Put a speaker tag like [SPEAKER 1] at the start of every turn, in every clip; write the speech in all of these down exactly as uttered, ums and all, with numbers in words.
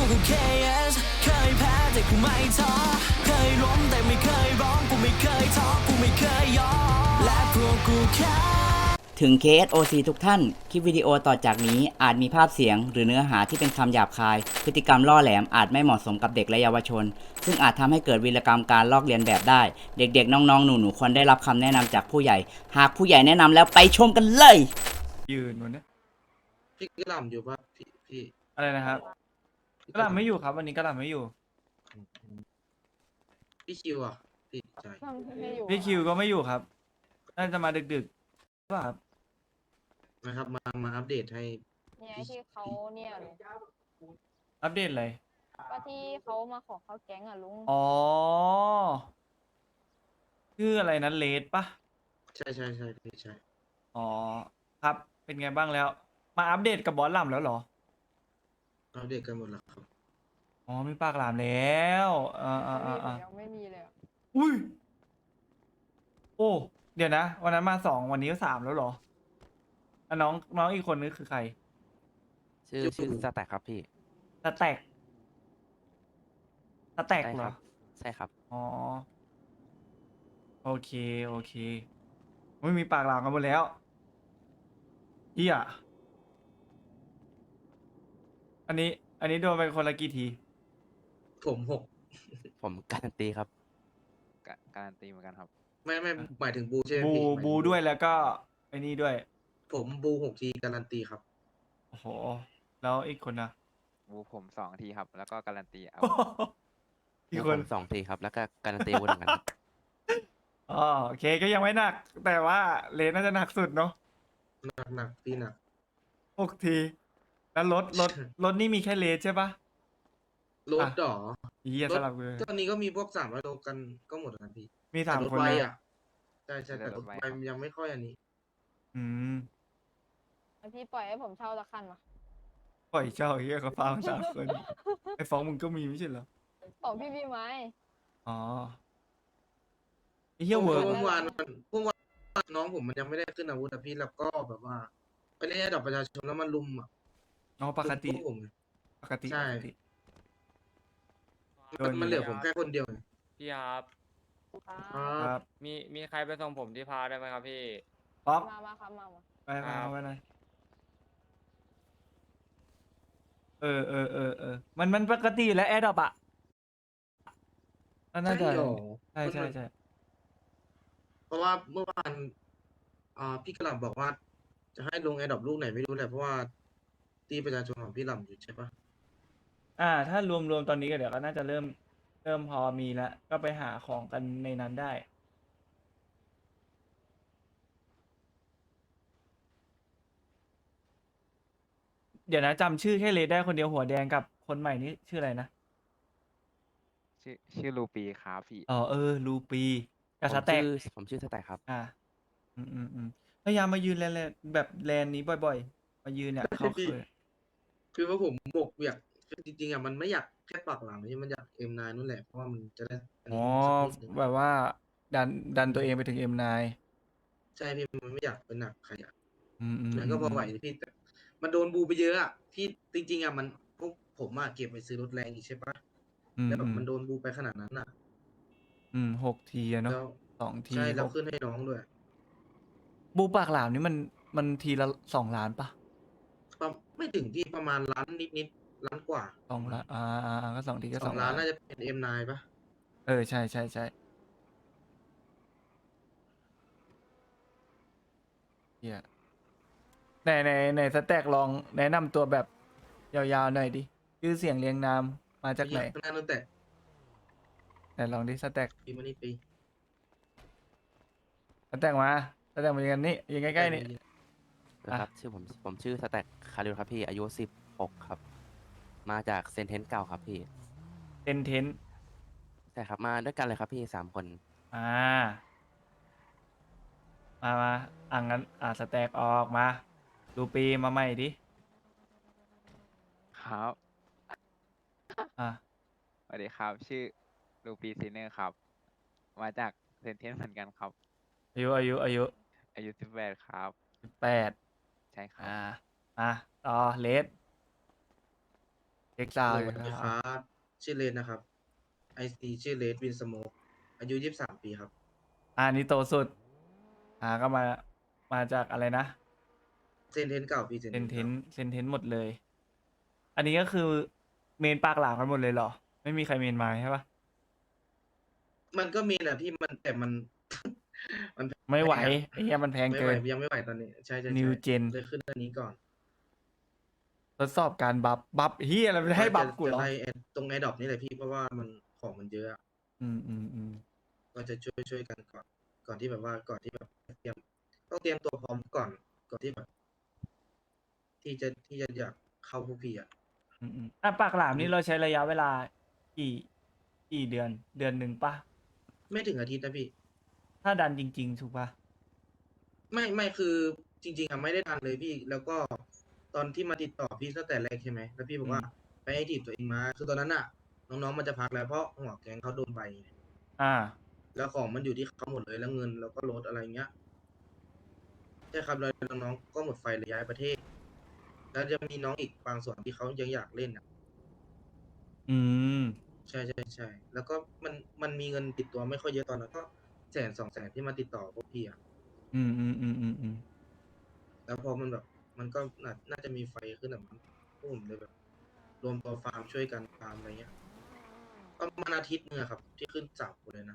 [SPEAKER 1] กู เค เอส เคยแพ้แต่กูไม่ท้อเคยล้มแต่ไม่เคยร้องกูไม่เคยท้อกูไม่เคยยอมและพวกกูแค่ถึง เค เอส โอ ซี ทุกท่าน คลิปวิดีโอต่อจากนี้อาจมีภาพเสียงหรือเนื้อหาที่เป็นคำหยาบคาย พฤติกรรมล่อแหลมอาจไม่เหมาะสมกับเด็กและเยาวชน ซึ่งอาจทำให้เกิดวีรกรรมการลอกเลียนแบบได้ เด็กๆ น้องๆ หนูๆ ควรได้รับคำแนะนำจากผู้ใหญ่ หากผู้ใหญ่แนะนำแล้วไปชมกันเลย
[SPEAKER 2] ยืนวันนี้
[SPEAKER 3] พี่กระหล่ำอยู่ป่ะพี่พี่
[SPEAKER 2] อะไรนะครับกระหล่ำไม่อยู่ครับ วันนี้กระหล่ำไม่อยู่
[SPEAKER 3] พี่คิวอ่ะพี่ใจ
[SPEAKER 2] พี่คิวก็ไม่อยู่ครับน่าจะมาดึกๆหรือเปล่าครับ
[SPEAKER 3] นะครับมามาอัปเดตให้
[SPEAKER 4] เนี่ยที่เขาเนี่ยลุง
[SPEAKER 2] อัปเดตอะไร
[SPEAKER 4] ก็ที่เขามาขอเข้าแก๊งอ่ะลุง
[SPEAKER 2] อ๋อชื่ออะไรนั้นเลดปะ
[SPEAKER 3] ใช่ใช่ใช่พี่ใช่
[SPEAKER 2] อ๋อครับ เป็นไงบ้างแล้ว มาอัปเดตกับบอสหล่ำแล้วเหรอ
[SPEAKER 3] อัปเดตกันหมดแล้วครับ
[SPEAKER 2] อ๋อมีปากหลามแล้วอ่าอ่าอ่าอ่า
[SPEAKER 4] ยังไม่มีเลยอะ
[SPEAKER 2] อุ้ยโอ้เดี๋ยวนะ วันนั้นมาสองวันนี้ก็สามแล้วเหรออ่ะน้องน้องอีกคนนึงคือใคร
[SPEAKER 5] ชื่อชื่อสแต็กครับพี่
[SPEAKER 2] สแต็กสแต็ก
[SPEAKER 5] ใช่
[SPEAKER 2] เหร
[SPEAKER 5] ค
[SPEAKER 2] อ
[SPEAKER 5] รับ ใช่ครับ
[SPEAKER 2] อ๋อ โอเค โอเคไม่มีปากหลามกันหมดแล้วเฮียอันนี้ อันนี้โดนไปคนละกี่ที
[SPEAKER 3] ผมหก
[SPEAKER 5] ผมการันตีครับ
[SPEAKER 6] กะการันตีเหมือนกันครับ
[SPEAKER 3] ไม่ไม่หมายถึงบูใช่ไหม
[SPEAKER 2] บู
[SPEAKER 3] พี่หมายถึง
[SPEAKER 2] บูด้วยแล้วก็ไอ้นี่ด้วย
[SPEAKER 3] ผมบูหกทีการันตีครับ
[SPEAKER 2] โอ้โห แล้วอีกคนนะ
[SPEAKER 6] บูผมสองทีครับ แล้วก็การันตีเอา
[SPEAKER 2] อีก
[SPEAKER 5] แล้ว
[SPEAKER 2] ค
[SPEAKER 5] ผ
[SPEAKER 2] น
[SPEAKER 5] มสองทีครับ แล้วก็การันตีอาวุธเหมือนกันครับ
[SPEAKER 2] อ๋อโอเคก็ยังไม่หนัก แต่ว่าเลนน่าจะหนักสุดเนาะ
[SPEAKER 3] หนักหนักพี่หนัก
[SPEAKER 2] หกที แล้วรถรถรถนี่มีแค่เลนใช่ปะ
[SPEAKER 3] รถ
[SPEAKER 2] อ่ะ
[SPEAKER 3] ดอ
[SPEAKER 2] เฮีย
[SPEAKER 3] ร
[SPEAKER 2] ส
[SPEAKER 3] ถ
[SPEAKER 2] ลับเลย
[SPEAKER 3] ตอนนี้ก็มีพวกสามร้อยโลกันก็หมดแล้วนะพี่
[SPEAKER 2] มีสาม
[SPEAKER 3] แต่รถ
[SPEAKER 2] คน
[SPEAKER 3] ไว
[SPEAKER 2] นะ
[SPEAKER 3] อ่ะใช่ใช่แต่รถไวมันยังไม่ค่อยอันนี้
[SPEAKER 2] อืม
[SPEAKER 4] แล้วพี่ปล่อยให้ผมเช่าละคันมา
[SPEAKER 2] ปล่อยเจ้าเฮียเขาฟังสามคน ไอ้ฟ้องมึงก็มีไม่ใช่เหรอ
[SPEAKER 4] ของพี่พี่ไม้
[SPEAKER 2] อ๋อไอ้เฮียเวิร์ก
[SPEAKER 3] เมื่อวานมันเมื่อวานน้องผมมันยังไม่ได้ขึ้นอาวุธอะพี่แล้วก็แบบว่าไปเล่นระดับประชาชนแล้วมันลุมอ่ะ
[SPEAKER 2] อ๋อปกติ
[SPEAKER 3] ลุมพวกผมไง
[SPEAKER 2] ปกติ
[SPEAKER 3] ใช่
[SPEAKER 2] ปกติ โด
[SPEAKER 3] มัน
[SPEAKER 2] น
[SPEAKER 3] มันเหลือผมแค่คนเดียวไง
[SPEAKER 7] พี่ครับ
[SPEAKER 3] ค
[SPEAKER 2] ค
[SPEAKER 3] รั
[SPEAKER 2] รั
[SPEAKER 3] บบ
[SPEAKER 7] มีมีใครไปส่งผมที่พาได้ไหมครับพี่
[SPEAKER 2] ป๊อก
[SPEAKER 4] มามาครับมามา
[SPEAKER 2] ไปไปเอาไปหน่อยเออเออเออเออมันมันปกติแล้วแอดดอปอะน่าจะ
[SPEAKER 3] ใช่หรอ
[SPEAKER 2] ใช่ใช่ใช่
[SPEAKER 3] เพราะว่าเมื่อวานอ่าพี่กระหล่ำบอกว่า จะให้ลงแอร์ดรอปลูกไหนไม่รู้แหละเพราะว่าตีประชาชนของพี่หล่ำอยู่ใช่ปะ
[SPEAKER 2] อ่า ถ้ารวมรวมตอนนี้ก็เดี๋ยวก็น่าจะเริ่ม เริ่มพอมีแล้ว ก็ไปหาของกันในนั้นได้ เดี๋ยวนะจำชื่อแค่เลดได้คนเดียวหัวแดงกับคนใหม่นี่ชื่ออะไรนะ
[SPEAKER 6] ชื่อชื่อลูปีครับพี่
[SPEAKER 2] อ๋อเออ ลูปีกับ
[SPEAKER 5] ผ
[SPEAKER 2] ส
[SPEAKER 5] ม
[SPEAKER 2] แต็ก
[SPEAKER 5] ชื่อผมชื่อสแต็กครับ
[SPEAKER 2] อ่า อืมอืมอืมพยายามมายืนแลนด์แบบแลนด์นี้บ่อยๆ มายืนเนี่ยเขาเคย
[SPEAKER 3] คือว่าผมบกอยากคือจริงๆอ่ะมันไม่อยากแค่ปากหลังนี่มันอยากเอ็มนายนู่นแหละเพราะว่ามันจะได้น
[SPEAKER 2] อ๋อ
[SPEAKER 3] นี้สักนิดนึง
[SPEAKER 2] แบบว่า ดันดันตัวเองไปถึงเอ็มไน
[SPEAKER 3] ใช่พี่มันไม่อยากเป็นหนักใครอ่ะ
[SPEAKER 2] อืมอืม
[SPEAKER 3] แล้วก็พอไหวพี่แต่มันโดนบูไปเยอะอ่ะพี่จริงๆอ่ะมันพวกผมอ่ะเก็บไปซื้อรถแรงอีกใช่ปะ
[SPEAKER 2] อืม
[SPEAKER 3] แล้วแบ
[SPEAKER 2] อื
[SPEAKER 3] บ
[SPEAKER 2] ม
[SPEAKER 3] มันโดนบูไปขนาดนั้นอ่ะ
[SPEAKER 2] อืมหกทีอะเนาะ
[SPEAKER 3] แล้ว
[SPEAKER 2] สองที
[SPEAKER 3] ใช่แล้ว
[SPEAKER 2] หก
[SPEAKER 3] ขึ้นให้น้องด้วย
[SPEAKER 2] บูปากหลามนี่มันมันทีละสองล้านปะ
[SPEAKER 3] ประไม่ถึงที่ประมาณล้านนิดๆล้านกว่า
[SPEAKER 2] สองล้านอ่าอ่าอ่าก็สองทีก็
[SPEAKER 3] ส
[SPEAKER 2] ส
[SPEAKER 3] อ
[SPEAKER 2] อง ง
[SPEAKER 3] ล้า
[SPEAKER 2] ล้าน น
[SPEAKER 3] น่าจะเป็นเอ็มนายปะ
[SPEAKER 2] เออ ใช่ใช่ใช่เฮียไหนไหนไหนสแต็กลองแนะนำตัวแบบยาวๆหน่อยดิ ชื่อเสียงเรียงนามมาจากไหน
[SPEAKER 3] ข้างหน้าตั้งแต่
[SPEAKER 2] ไหนลองดิสแต็ก
[SPEAKER 3] ปีมานี่ปี
[SPEAKER 2] สแต็กมาสแต็กมายืนกันนี่ยืนใกล้ๆนี่
[SPEAKER 5] นะครับ ชื่อผมผมชื่อสแต็กคาริลครับพี่ อายุสิบหกครับ มาจากเซนเทนเก่าครับพี่
[SPEAKER 2] เทนเทน
[SPEAKER 5] ใช่ครับ มาด้วยกันเลยครับพี่สามคน
[SPEAKER 2] อ่า มามาอ่างั้นอ่าสแต็กออกมา ดูปีมาใหม่ดิ
[SPEAKER 6] ครับ
[SPEAKER 2] อ่า
[SPEAKER 6] สวัสดีครับ ชื่อลูปีซีเนอร์ครับ มาจากเซนเทนเหมือนกันครับ
[SPEAKER 2] อายุอายุอายุ
[SPEAKER 6] อายุสิบแปดครับ
[SPEAKER 2] สิบแปด
[SPEAKER 6] ใช่ครับ
[SPEAKER 2] อ่าอ่ะต่อเลสเอ็กซาว
[SPEAKER 3] สวัสดีครับ ชื่อเลนนะครับ ไอซีชื่อเลนวินสโมกอายุยี่สิบสามปีครับ
[SPEAKER 2] อ่านี่โตสุด อ่าก็มามาจากอะไรนะ
[SPEAKER 3] เซนเทนเก่าพี่เซน
[SPEAKER 2] เซนเทน
[SPEAKER 3] ก่า
[SPEAKER 2] เซนเทนหมดเลย อันนี้ก็คือเมนปากหลามกันหมดเลยเหรอ ไม่มีใครเมนมาใช่ปะ
[SPEAKER 3] มันก็มีแหละพี่มันแต่มัน มัน
[SPEAKER 2] ไม่ไหว
[SPEAKER 3] แพงอะ
[SPEAKER 2] ไอ้เหี้ยมันแพง
[SPEAKER 3] ไม่
[SPEAKER 2] เกิ
[SPEAKER 3] ไหวน ยังไม่ไหวตอนนี้ ใช่ใช่ใช่
[SPEAKER 2] New Gen
[SPEAKER 3] เลยขึ้นอันนี้ก่อน
[SPEAKER 2] ทดสอบการบัฟบัฟเฮียอะไรไม่ให้บัฟกูเหรอ
[SPEAKER 3] จะไล่ไอ้ตรงไอดอปนี่แหละพี่เพราะว่ามันของมันเยอะอะ
[SPEAKER 2] อืมอืมอืม
[SPEAKER 3] ก็จะช่วยช่วยกันก่อน ก่อนที่แบบว่าก่อนที่แบบเตรียมต้องเตรียมตัวพร้อมก่อนก่อนที่แบบ ที่จะที่จะอยากเข้าพวกพี่อ่ะ
[SPEAKER 2] อืมอืมอ่ะปากหลามนี่เราใช้ระยะเวลากี่กี่เดือน เดือนหนึ่งปะ
[SPEAKER 3] ไม่ถึงอาทิตย์นะพี่
[SPEAKER 2] ถ้าดันจริง ๆ ถูกปะ
[SPEAKER 3] ไม่ไม่คือจริงๆอะไม่ได้ดันเลยพี่ แล้วก็ตอนที่มาติดต่อพี่ตั้งแต่แรกใช่ไหมแล้วพี่บอกว่าไปให้ทีบตัวเองมา คือตอนนั้นอะน้องๆมันจะพักแล้วเพราะหัวแก๊งเขาโดนใบไง
[SPEAKER 2] อ่า
[SPEAKER 3] แล้วของมันอยู่ที่เขาหมดเลยแล้วเงินแล้วก็รถอะไรเงี้ยใช่ครับแล้วน้องๆก็หมดไฟเลยย้ายประเทศ แล้วจะมีน้องอีกบางส่วนที่เขายังอยากเล่นอ่ะ
[SPEAKER 2] อืม
[SPEAKER 3] ใช่ใช่ใช่แล้วก็มันมันมีเงินติดตัวไม่ค่อยเยอะตอนนั้นก็แสนสองแสนที่มาติดต่อพวกพี่อ่ะ
[SPEAKER 2] อืมอืมอืมอืมอืม
[SPEAKER 3] แล้วพอมันแบบ มันก็น่าน่าจะมีไฟขึ้นแบบนั้นพวกผมเลยแบบ รวมตัวฟาร์มช่วยกันฟาร์มอะไรเงี้ยประมาณอาทิตย์นึงอะครับ ที่ขึ้นสามคนเลยนะ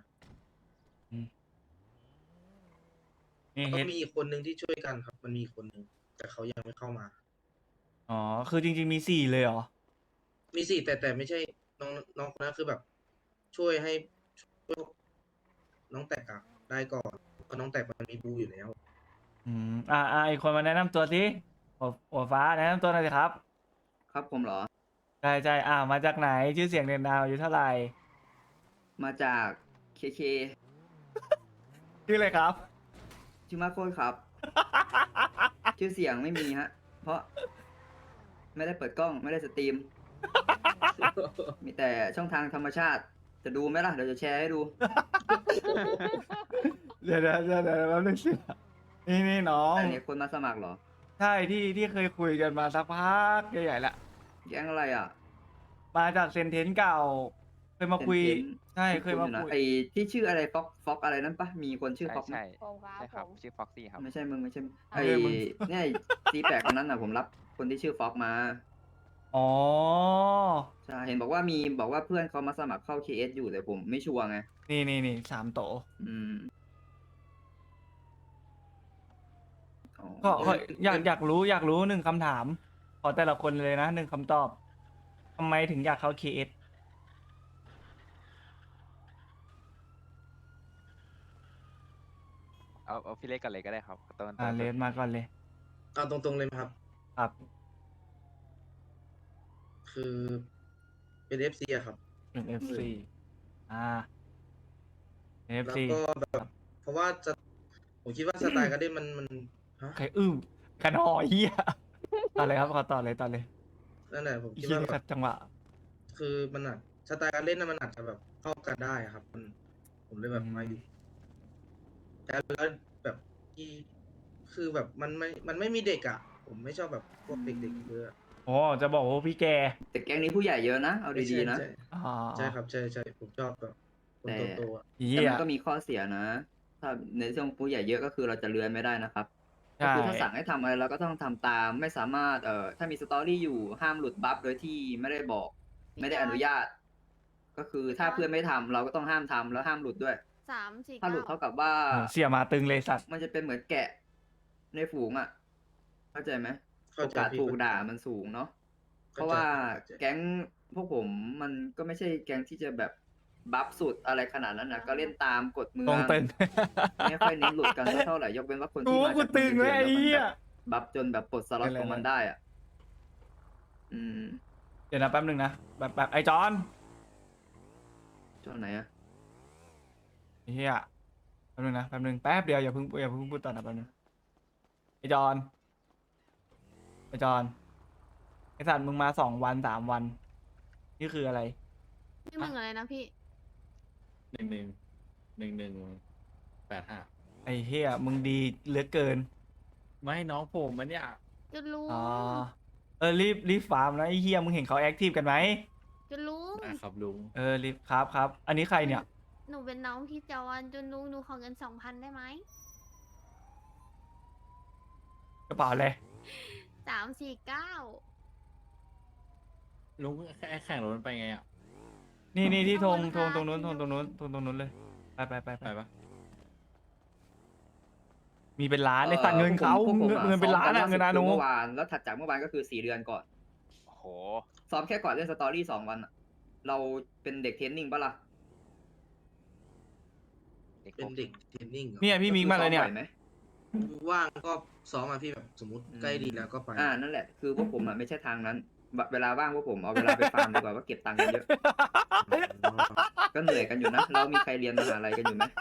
[SPEAKER 2] นี่
[SPEAKER 3] ก็
[SPEAKER 2] เฮ็ด
[SPEAKER 3] มีอีกคนนึงที่ช่วยกันครับ มันมีอีกคนนึงแต่เขายังไม่เข้ามา
[SPEAKER 2] อ๋อ คือจริง ๆ มีสี่เลยเหรอ
[SPEAKER 3] มีสี่แต่แต่ไม่ใช่น้องน้องคนนั้นคือแบบ ช่วยให้ช่วยน้องแตกอะได้ก่อนเพราะน้องแตกมันมีบูอยู่แล้ว
[SPEAKER 2] อืม อ่าอ่าอีกคนมาแนะนำตัวสิหัวหัวฟ้าแนะนำตัวหน่อยสิครับ
[SPEAKER 8] ครับผมเหรอ
[SPEAKER 2] ใช่ใช่อ่ามาจากไหน ชื่อเสียงเรียนนามอายุเท่าไหร่
[SPEAKER 8] มาจากเคเค
[SPEAKER 2] ชื่ออะไรครับ
[SPEAKER 8] ชื่อมาโคตรครับ ชื่อเสียงไม่มีฮะ เพราะ ไม่ได้เปิดกล้องไม่ได้สตรีม มีแต่ช่องทางธรรมชาติ จะดูไหมล่ะ เดี๋ยวจะแชร์ให้ดู
[SPEAKER 2] เดี๋ยวเดี๋ยวเดี๋ยวเดี๋ยวแป๊บนึงสินี่นี่น้อง
[SPEAKER 8] อันนี้คนมาสมัครเหรอ
[SPEAKER 2] ใช่ที่ที่เคยคุยกันมาสักพักใหญ่ๆแล้ว
[SPEAKER 8] แก๊งอะไรอ่ะ
[SPEAKER 2] มาจากเซนเทนเก่า เคยมาคุย
[SPEAKER 8] เซนเทน
[SPEAKER 2] ใช่เคยมา
[SPEAKER 8] ณๆอ
[SPEAKER 2] คุย
[SPEAKER 8] ไอ้ที่ชื่ออะไรฟ็อกฟ็อกอะไรนั่นปะมีคนชื่อ
[SPEAKER 6] ใช่
[SPEAKER 8] ฟ็อกไหม
[SPEAKER 6] ใช่
[SPEAKER 4] ผมครับ
[SPEAKER 6] ใช่ครับ
[SPEAKER 4] ผม
[SPEAKER 6] ชื่อฟ็อกซี่ครับ
[SPEAKER 8] ไม่ใช่มึงไม่ใช่
[SPEAKER 4] อ่ะ
[SPEAKER 8] ไอ้
[SPEAKER 2] เออมึง
[SPEAKER 8] เนี่ยซีแปดคนนั้นอ่ะผมรับคนที่ชื่อฟ็อกมา
[SPEAKER 2] อ๋อ
[SPEAKER 8] ใช่ เห็นบอกว่ามีบอกว่าเพื่อนเขามาสมัครเข้า เค เอส อยู่แต่ผมไม่ชัวร์ไง
[SPEAKER 2] นี่นี่นี่สามโต
[SPEAKER 8] อืมอ๋อ
[SPEAKER 2] ก็ก็อยากอยากรู้อยากรู้หนึ่งคำถาม ขอแต่ละคนเลยนะหนึ่งคำตอบทำไมถึงอยากเข้า เค เอส
[SPEAKER 6] เอาเอาพี่เล็กกันเลยก็ได้ครับต้น
[SPEAKER 2] อ่า
[SPEAKER 6] ต้น
[SPEAKER 2] เลสมาก่อนเลย
[SPEAKER 3] เอาตรงๆเลยไหมครับ
[SPEAKER 2] ครับ
[SPEAKER 3] คือเป็นเอฟซีอะครับ
[SPEAKER 2] หนึ่ง เอฟ ซี อ่า
[SPEAKER 3] แล้ว
[SPEAKER 2] เอฟ ซี
[SPEAKER 3] ก็แบบ เพราะว่าจะผมคิดว่าสไตล์การเล่นมันมันฮะ
[SPEAKER 2] ใครอึ้งขนอเฮียต่อเลยครับขอต่อเลยต่อเลย
[SPEAKER 3] นั่นแหละผมคิด
[SPEAKER 2] เฮีย
[SPEAKER 3] ว่า
[SPEAKER 2] นี่
[SPEAKER 3] แบ
[SPEAKER 2] ขั
[SPEAKER 3] บ
[SPEAKER 2] ดจังหวะ
[SPEAKER 3] คือมันอาจสไตล์การเล่นน่ะมันอาจจะแบบเข้ากันได้อะครับ มัน ผมเลยแบบ
[SPEAKER 2] อืม
[SPEAKER 3] มาอยู่แต่แล้วแบบที่คือแบบมันไม่มันไม่มีเด็กอ่ะ ผมไม่ชอบแบบพวกเด็กๆเยอะ
[SPEAKER 2] โอ้จะบอกว่าพี่แก
[SPEAKER 8] แต่แก๊งนี้ผู้ใหญ่เยอะนะ เอาดีๆนะ
[SPEAKER 3] ใช่
[SPEAKER 2] อ๋อ
[SPEAKER 3] ใช่ครับใช่ใช่ผมชอบแบบคน
[SPEAKER 8] แต่
[SPEAKER 3] โตๆอะ
[SPEAKER 2] เฮี
[SPEAKER 8] แต่
[SPEAKER 2] ย
[SPEAKER 8] มันก็มีข้อเสียนะ ถ้าในช่วงผู้ใหญ่เยอะก็คือเราจะเลือนไม่ได้นะครับ ก็
[SPEAKER 2] ใช่
[SPEAKER 8] คือถ้าสั่งให้ทำอะไรเราก็ต้องทำตาม ไม่สามารถ เอ่อ ถ้ามีสตอรี่อยู่ห้ามหลุดบัฟโดยที่ไม่ได้บอก ไม่ได้อนุญาต ก็คือถ้าเพื่อนไม่ทำเราก็ต้องห้ามทำแล้วห้ามหลุดด้วย
[SPEAKER 4] สามสี่
[SPEAKER 8] ถ้าหลุด
[SPEAKER 4] เก้า
[SPEAKER 8] เท่ากับว่า
[SPEAKER 2] เออเสียมาตึงเลยสัตว์
[SPEAKER 8] มันจะเป็นเหมือนแกะในฝูงอ่ะ เข้าใจไหม
[SPEAKER 3] เข้า
[SPEAKER 8] โอ
[SPEAKER 3] ใจ
[SPEAKER 8] กาส
[SPEAKER 3] พี่
[SPEAKER 8] ถูกด่ามันสูงเนาะ เพ
[SPEAKER 3] เข้าใจ
[SPEAKER 8] ราะว่า
[SPEAKER 3] เข้าใจ
[SPEAKER 8] แก๊งพวกผมมันก็ไม่ใช่แก๊งที่จะแบบบัฟสุดอะไรขนาดนั้นนะก็เล่นตามกฎเมื
[SPEAKER 2] ต
[SPEAKER 8] อ
[SPEAKER 2] รง
[SPEAKER 8] ง
[SPEAKER 2] ตึง
[SPEAKER 8] ไม่ค่อยเน้นหลุดกันสักเท่าไหร่ยกเว้นว่าคน
[SPEAKER 2] กู
[SPEAKER 8] ที่
[SPEAKER 2] ว่า
[SPEAKER 8] มา
[SPEAKER 2] กู
[SPEAKER 8] จาก
[SPEAKER 2] ตึงเลยไอ้
[SPEAKER 8] เดือน
[SPEAKER 2] เหี้ย
[SPEAKER 8] แล้วมันแบบบัฟจนแบบปลดสล็อต
[SPEAKER 2] อะไร
[SPEAKER 8] ของมัน
[SPEAKER 2] นะ
[SPEAKER 8] ได้อ่ะ อืม
[SPEAKER 2] เดี๋ยวนะแป๊บนึงนะแบบแบบไอ้จอน
[SPEAKER 8] จนไหนอ่ะ
[SPEAKER 2] ไอ้เฮียแป๊บนึงนะแป๊บนึงแป๊บเดียวอย่าเพิ่งอย่าเพิ่งพูดต่อนะแป๊บนึงไอ้จอนไอ้จอนไอ้สัตว์มึงมาสองวันสามวัน นี่คืออะไร
[SPEAKER 4] นี่มึงอะไรนะพี่
[SPEAKER 9] หนึ่งหนึ่งหนึ่งหนึ่งแปดห้า
[SPEAKER 2] ไอ้เฮียมึงดีเหลือเกิน
[SPEAKER 9] ไม่น้องผมมันเนี่ย
[SPEAKER 4] จะรู้
[SPEAKER 2] อ๋อเออรีบรีบฟาร์มนะไอ้เฮียมึงเห็นเขาแอคทีฟกันไหม
[SPEAKER 4] จุนลุง
[SPEAKER 9] ได้ครับลุง
[SPEAKER 2] เออรีบครับครับ อันนี้ใครเนี่ย
[SPEAKER 4] หนูเป็นน้องพี่จอนจุนลุงหนูขอเงินสองพันได้ไหม
[SPEAKER 2] กระเป๋าเลย
[SPEAKER 4] สามสี่เก้า
[SPEAKER 9] ลุงแค่แข่งรถมันไปไงอ่ะ
[SPEAKER 2] นี่นี่ที่ธง
[SPEAKER 4] ขอบ
[SPEAKER 2] ธ
[SPEAKER 4] คุ
[SPEAKER 2] ง
[SPEAKER 4] ณ
[SPEAKER 2] ตรงนู้นธ
[SPEAKER 4] ค่ะ
[SPEAKER 2] งตรงนู้นธงตรงนู้นเลยไปไปไปไป
[SPEAKER 9] ไปปะ
[SPEAKER 2] มีเป็นล้านในสัตว์เงินเขา
[SPEAKER 8] พวกผม
[SPEAKER 2] เงินเงินเป็นล้านอะเงินอานุ
[SPEAKER 8] เมื่อวานแล้วถัดจากเมื่อวานก็คือสี่เดือนก่อน
[SPEAKER 6] โอ้โห
[SPEAKER 8] ซ้อมแค่ก่อนเล่นสตอรี่สองวันอะเราเป็นเด็กเทรนนิ่งปะล่ะ
[SPEAKER 6] เด็ก
[SPEAKER 3] เป็น
[SPEAKER 6] พวก
[SPEAKER 3] เด็กเทรนนิ่งหรอ
[SPEAKER 2] เนี่ยพี่มิงมาเลยเนี่ย
[SPEAKER 8] ซ้อบ่อไหม
[SPEAKER 3] ว่างก็ซ้อมมาพี่แบบสมมติใกล้ดีแล้วก็ไป
[SPEAKER 8] อ่านั่นแหละคือพวกผมอะไม่ใช่ทางนั้นแบบเวลาว่างพวกผมเอาเวลาไปฟาร์มดีกว่าว่าเก็บตังค์กันเยอะ ก็เหนื่อยกันอยู่นะ เรามีใครเรียนมหาลัยกันอยู่ไหม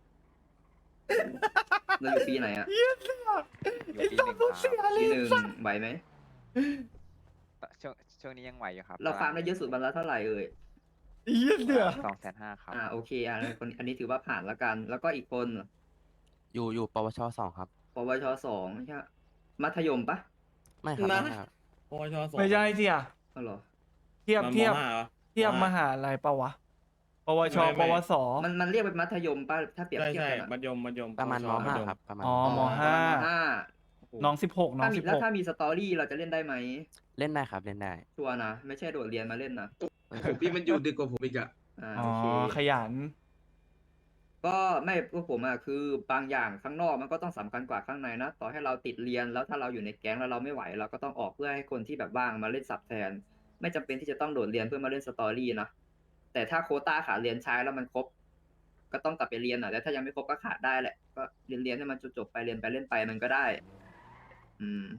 [SPEAKER 8] เราอยู่ปีไหนอะ
[SPEAKER 6] อยู่ปีหนึ่งครับ
[SPEAKER 8] ปีหนึ่งไหวไหม
[SPEAKER 6] ช่วงช่วงนี้ยังไหวอยู่ครับ
[SPEAKER 8] เราฟาร์มได้เยอะสุดวันละเท่าไหร่เอ่ย
[SPEAKER 2] เยี่ยเดือ
[SPEAKER 6] สองแสนห้าครับ
[SPEAKER 8] อ่าโอเคอ่ะคนอันนี้ถือว่าผ่านแล้วกัน แล้วก็อีกคน
[SPEAKER 5] อยู่อยู่ปวชสองครับ
[SPEAKER 8] ปวชสองใช่ไหมมัธยมปะ
[SPEAKER 5] ไม่ครับ
[SPEAKER 3] นะ
[SPEAKER 5] ไม่ครับ
[SPEAKER 9] ปวชสอง
[SPEAKER 2] ไม่ใช่เสีย
[SPEAKER 8] อ๋อเหรอ
[SPEAKER 2] เทียบ
[SPEAKER 9] มัน
[SPEAKER 2] เทียบ
[SPEAKER 9] มห้าหรอ
[SPEAKER 2] เทียบม
[SPEAKER 9] ม
[SPEAKER 2] หาลัยปะวะ ปวช
[SPEAKER 9] ไม่ไม่
[SPEAKER 2] ปวส
[SPEAKER 8] มันมันเรียกเป็นมัธยมปะถ้าเปรียบ
[SPEAKER 9] ใช่
[SPEAKER 8] เทียบ
[SPEAKER 9] ใช่
[SPEAKER 8] กันอะ
[SPEAKER 9] มัธยมมัธยม
[SPEAKER 5] ประมาณ
[SPEAKER 9] ป
[SPEAKER 5] ม
[SPEAKER 9] วช
[SPEAKER 5] ห้า
[SPEAKER 9] ธย
[SPEAKER 5] ครับประมาณ
[SPEAKER 2] อ๋อมห้า
[SPEAKER 8] ห้าโโห
[SPEAKER 2] น้องสิบหกน้อง
[SPEAKER 8] ถ้ามี
[SPEAKER 2] สิบ
[SPEAKER 8] แล้ว
[SPEAKER 2] หก
[SPEAKER 8] ถ้ามีสตอรี่เราจะเล่นได้ไหม
[SPEAKER 5] เล่นได้ครับเล่นได้
[SPEAKER 8] ชัวร์นะ ไม่ใช่โดดเรียนมาเล่นนะ
[SPEAKER 3] ผมพี่มันอยู่ดึกกว่าผมอีกอะ
[SPEAKER 8] อ่า
[SPEAKER 2] อ๋อ
[SPEAKER 8] โอเค
[SPEAKER 2] ขยัน
[SPEAKER 8] ก็ไม่พวกผมอะคือบางอย่างข้างนอกมันก็ต้องสำคัญกว่าข้างในนะ ต่อให้เราติดเรียนแล้วถ้าเราอยู่ในแก๊งแล้วเราไม่ไหวเราก็ต้องออกเพื่อให้คนที่แบบว่างมาเล่นสับแทน ไม่จำเป็นที่จะต้องโดดเรียนเพื่อมาเล่นสตอรี่นะ แต่ถ้าโควต้าขาดเรียนใช้แล้วมันครบ ก็ต้องกลับไปเรียนอ่ะแต่ถ้ายังไม่ครบก็ขาดได้แหละ ก็เรียนเรียนให้มันจบๆไปเรียนไปเล่นไปมันก็ได้ อืม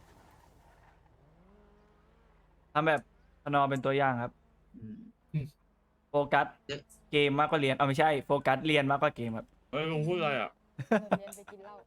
[SPEAKER 2] ทำแบบพนอเป็นตัวอย่างครับ
[SPEAKER 8] อืม
[SPEAKER 2] โฟกัสเกมมากกว่าเรียน เอาไม่ใช่ โฟกัสเรียนมากกว่าเกมครับ
[SPEAKER 9] เฮ้ยลุงพูดอะไรอ่ะ
[SPEAKER 10] เรียนไปกินเหล้า